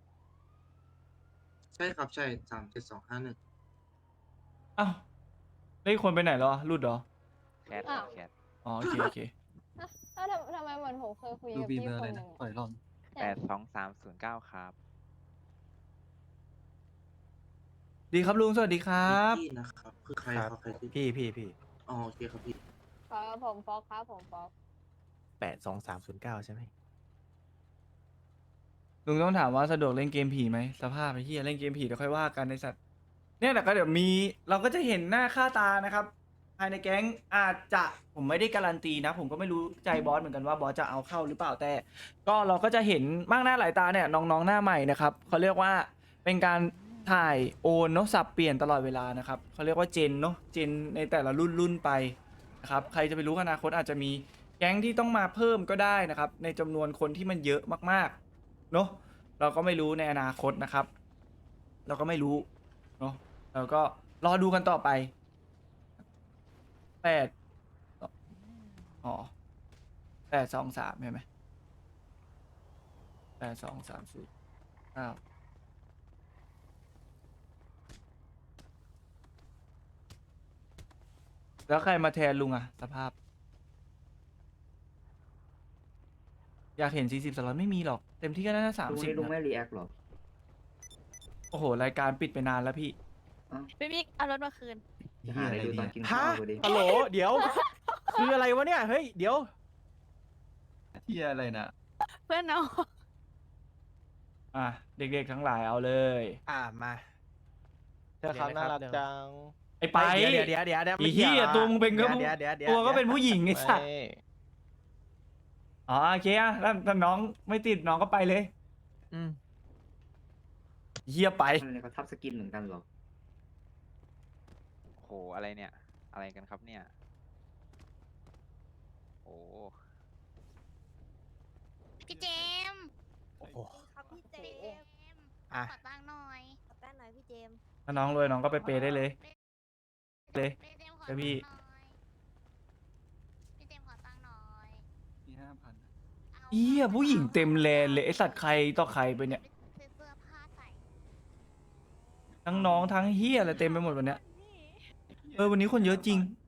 [SPEAKER 3] ใช่ครับใช่สามเจ็ดสองห้าหนึ่ง
[SPEAKER 2] อ้าวเลขคนไปไหนแล้วอะรุดเหรอ
[SPEAKER 6] แคทครับแคท
[SPEAKER 2] อ๋อโอเคโอเค
[SPEAKER 4] ถ้าทำทำไมเหมือนผมเคยคุยกับพี่คนหนึ่ง
[SPEAKER 6] แปดสองสามศูนย์เก้าครับ
[SPEAKER 2] ดีครับลุงสวัสดีครับ
[SPEAKER 3] พี่นะครับ คือใคร
[SPEAKER 10] ครับ
[SPEAKER 3] ครับใครที่
[SPEAKER 10] พี่พี่พี่
[SPEAKER 3] อ๋อโอเคครับพี่
[SPEAKER 4] ครับผมฟอกครับผมฟอก
[SPEAKER 10] แปดสองสามศูนย์เก้าใช่ไหม
[SPEAKER 2] ลุงต้องถามว่าสะดวกเล่นเกมผีไหมสภาพไอ้เหี้ยเล่นเกมผีเดี๋ยวค่อยว่ากันในสัตว์เนี่ยแต่ก็เดี๋ยวมีเราก็จะเห็นหน้าค่าตานะครับภายในแก๊งอาจจะผมไม่ได้การันตีนะ ผมก็ไม่รู้ใจบอสเหมือนกันว่าบอสจะเอาเข้าหรือเปล่าแต่ ก็เราก็จะเห็นมากหน้าหลายตาเนี่ยน้องๆหน้าใหม่นะครับเขาเรียกว่าเป็นการถ่ายโอนเนาะสับเปลี่ยนตลอดเวลานะครับเขาเรียกว่าเจนเนาะเจนในแต่ละรุ่นรุ่นไปนะครับใครจะไปรู้อนาคตอาจจะมีแก๊งที่ต้องมาเพิ่มก็ได้นะครับในจำนวนคนที่มันเยอะมากๆเนาะเราก็ไม่รู้ในอนาคตนะครับ เราก็ไม่รู้เนาะเราก็รอดูกันต่อไปแปดอ๋อแปดสองสามใช่ไหมแปดสองสามสี่เก้าแล้วใครมาแทนลุงอะสภาพ อยากเห็นสี่สิบสล็อตไม่มีหรอก เต็มที่ก็น่าจะสาม
[SPEAKER 8] ลุง
[SPEAKER 2] สิบ
[SPEAKER 8] นี่ลุงไม่รีแอคหรอ
[SPEAKER 2] โอ้โห รายการปิดไปนานแล้วพี่
[SPEAKER 4] พี่บิ๊กเอารถมาคืน
[SPEAKER 8] จะหาอะไรดูตอนกิน
[SPEAKER 10] ฮะ
[SPEAKER 8] ข้าวพอดี
[SPEAKER 10] ฮัลโหลเดี๋ยว คืออะไรวะเนี่ย เฮ้ย เดี๋ยว
[SPEAKER 2] ที่อะไรนะ
[SPEAKER 4] เพื่อนน้อง
[SPEAKER 2] อ่ะ เด็กๆทั้งหลายเอาเลย
[SPEAKER 10] อ่ามา
[SPEAKER 9] เธอครับน่ารักจัง
[SPEAKER 2] ไอ้ไป
[SPEAKER 10] เดี๋ยวเดี๋ยวเดี๋ยวเดี๋ยว
[SPEAKER 2] ไอ้เหี้ยตัวมึงเป็นก็
[SPEAKER 10] เดี๋ยวเดี๋ยวเดี๋ยว
[SPEAKER 2] ตัวก็เป็นผู้หญิงไอ้สัส
[SPEAKER 9] ไม่
[SPEAKER 2] อ๋อโอเคอ่ะถ้าถ้าน้องไม่ติดน้องก็ไปเลย
[SPEAKER 10] อืม
[SPEAKER 2] เฮียไป
[SPEAKER 8] อะไรเขาทับสกินเหมือนกันเหรอ
[SPEAKER 6] โห อะไรเนี่ย อะไรกันครับเนี่ย โอ้
[SPEAKER 4] พี่เจมส์
[SPEAKER 10] โอ้โห
[SPEAKER 4] ครับพี่เจมส์
[SPEAKER 10] อ่ะ
[SPEAKER 4] ขอตังค์หน่อยขอตังค์หน่อยพี่เจมส์
[SPEAKER 2] ถ้าน้องรวยน้องก็ไปเปย์ได้เลย เลย
[SPEAKER 4] พี่เจมส์ขอ
[SPEAKER 2] เดี๋ยวพี่
[SPEAKER 4] ตังค์หน่อยพี่เจมส์ขอตังค์หน่อย
[SPEAKER 2] มีห้าพัน
[SPEAKER 4] อา
[SPEAKER 2] เฮียผู้หญิงเต็มแลนเลยไอสัตว์ใครต่อใครไปเนี่ย
[SPEAKER 4] ซื้อเสื้อผ้าใส่
[SPEAKER 2] ทั้งน้องทั้งเฮียอะไรเต็มไปหมดวันเนี้ย เออวันนี้คนเยอะจริง